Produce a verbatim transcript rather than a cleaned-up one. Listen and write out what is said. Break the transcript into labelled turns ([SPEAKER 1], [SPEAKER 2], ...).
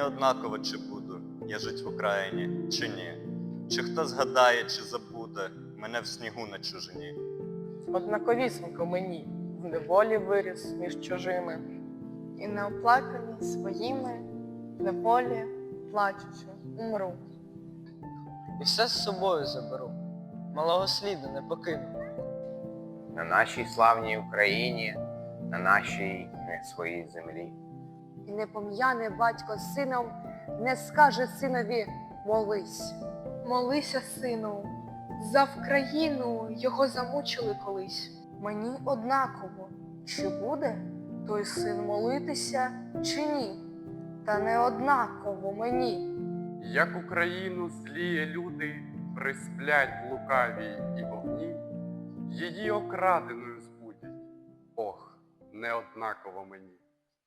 [SPEAKER 1] однаково, чи буду я жить в Україні, чи ні. Чи хто згадає, чи забуде мене в снігу на чужині.
[SPEAKER 2] Однаковісінько мені, в неволі виріс між чужими.
[SPEAKER 3] І неоплаканий своїми, в неволі, плачучи, умру.
[SPEAKER 4] І все з собою заберу, малого сліду не покину.
[SPEAKER 5] На нашій славній Україні, на нашій не своїй землі.
[SPEAKER 6] І не пом'яне батько з сином, не скаже синові «молись».
[SPEAKER 3] Молися, сину, за Вкраїну його замучили колись.
[SPEAKER 6] Мені однаково, чи буде той син молитися, чи ні. Та не однаково мені.
[SPEAKER 7] Як Україну зліє люди присплять в лукавій і вогні, її окраденою збудять. Ох, неоднаково мені.